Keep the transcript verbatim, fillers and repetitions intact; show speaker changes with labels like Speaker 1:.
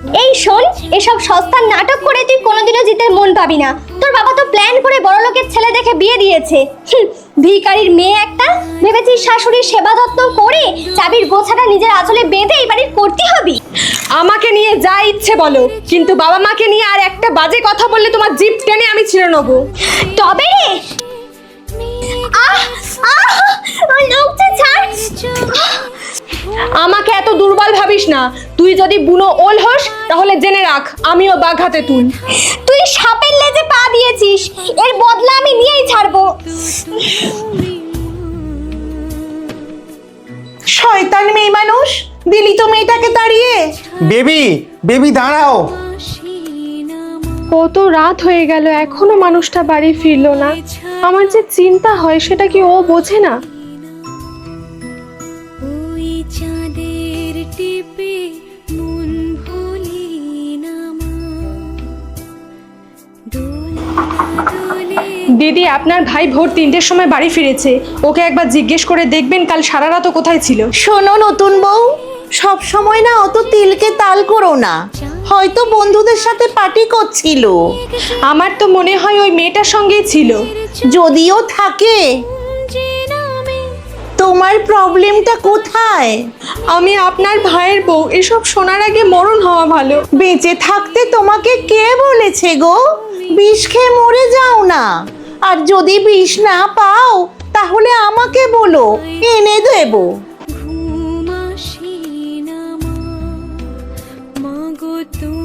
Speaker 1: এই শোন, এসব সস্তার নাটক করে তুই কোনোদিনও জিতের মন পাবি না। তোর বাবা তো প্ল্যান করে বড় লোকের ছেলে দেখে বিয়ে দিয়েছে। ভিখারির মেয়ে একটা, ভেবেছিস শাশুড়ির সেবা যত্ন করে চাবির গোছাটা নিজের আঁচলে বেঁধে এই বাড়ির করতে হবি?
Speaker 2: আমাকে নিয়ে যা ইচ্ছে বলো, কিন্তু বাবা মাকে নিয়ে আর একটা বাজে কথা বললে তোমার জিভ টেনে আমি ছিঁড়ে নেবো।
Speaker 1: তবে রে, আহ আহ লোকটা ছাড়।
Speaker 2: আমাকে এত দুর্বল ভাবিস না। তুই যদি বুনো ওল হোস তাহলে জেনে রাখ আমিও বাঘাতে তুল।
Speaker 1: তুই সাপের লেজে পা দিয়েছিস, এর বদলা আমি নিয়েই ছাড়বো।
Speaker 3: শয়তান মেয়ে মানুষ, দিলি তো মেয়েটাকে তাড়িয়ে।
Speaker 4: বেবি বেবি দাঁড়াও।
Speaker 2: কত রাত হয়ে গেল এখনো মানুষটা বাড়ি ফিরলো না। আমার যে চিন্তা হয় সেটা কি ও বোঝে না? দিদি, আপনার ভাই ভোর তিনটের সময় বাড়ি ফিরেছে। ওকে একবার জিজ্ঞেস করে দেখবেন কাল সারা রাত কোথায় ছিল।
Speaker 3: শোনো নতুন বউ, সব সময় না অত তিলকে তাল করো না। হয়তো বন্ধুদের সাথে পার্টি করছিল।
Speaker 2: আমার তো মনে হয় ওই মেয়েটার সঙ্গেই ছিল।
Speaker 3: যদিও থাকে, তোমার প্রবলেমটা কোথায়?
Speaker 2: আমি আপনার ভাইয়ের বউ, এসব শোনার আগে মরণ হওয়া ভালো।
Speaker 3: বেঁচে থাকতে তোমাকে কে বলেছে গো? বিষ খেয়ে মরে যাও না। আর যদি বিষ না পাও তাহলে আমাকে বলো, এনে দেবো।